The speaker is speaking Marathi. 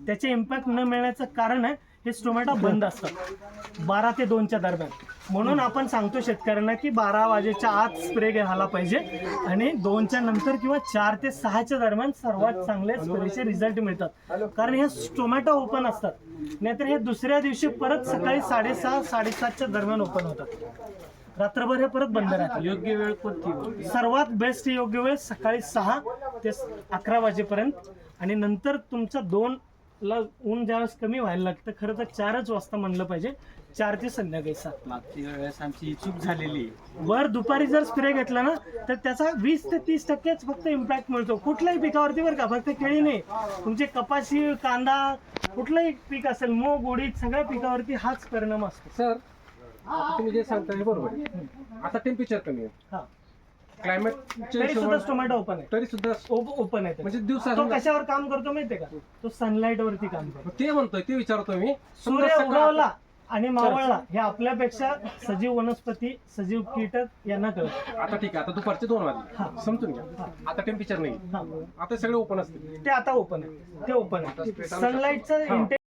त्याचे इम्पॅक्ट न मिळण्याचं कारण आहे हे टोमॅटो बंद असतात 12 ते 2च्या दरम्यान. म्हणून आपण सांगतो शेतकऱ्यांना की 12 वाजेच्या आत स्प्रे घ्यायला पाहिजे आणि 2च्या नंतर किंवा 4 ते 6च्या दरम्यान सर्वात चांगले स्प्रेचे रिझल्ट मिळतात. कारण हे टोमॅटो ओपन असतात, नाहीतर हे दुसऱ्या दिवशी परत सकाळी 6:30 7:30च्या दरम्यान ओपन होतात. रात्रभर हे परत बंद राहतात. योग्य वेळ कोणती? सर्वात बेस्ट योग्य वेळ सकाळी 6 ते 11 वाजेपर्यंत आणि नंतर तुमचा 2 ला ऊन ज्यावेळेस कमी व्हायला लागतं. खरं तर 4च वाजता म्हणलं पाहिजे, 4 ते संध्याकाळी 7. मागच्या वेळेस आमची चूक झालेली. वर दुपारी जर स्प्रे घेतला ना तर त्याचा 20 ते 30% फक्त इम्पॅक्ट मिळतो कुठल्याही पिकावरती, बरं का. फक्त केळी नाही, तुमचे कपाशी, कांदा, कुठलंही पीक असेल, मूग, उडीद, सगळ्या पिकावरती हाच परिणाम असतो. सर आता तुम्ही जे सांगता हे बरोबर आहे. आता टेम्परेचर कमी आहे, हा, क्लायमेट तरी सुद्धा टोमॅटो ओपन आहे. तरी सुद्धा ओपन आहे म्हणजे तो दिवसा कशावर काम करतो माहितीये का? तो सनलाईट वरती काम करतो. ते म्हणतोय, ते विचारतोय मी. सूर्य उगवला आणि मावळला हे आपल्यापेक्षा सजीव वनस्पती, सजीव कीटक यांना कळत. आता ठीक आहे, आता दुपारचे 2 वाजले, हा. समजून घ्या. आता टेम्परेचर नाही, हा, आता सगळे ओपन असतील. ते आता ओपन आहे, ते ओपन आहे. सनलाईटचं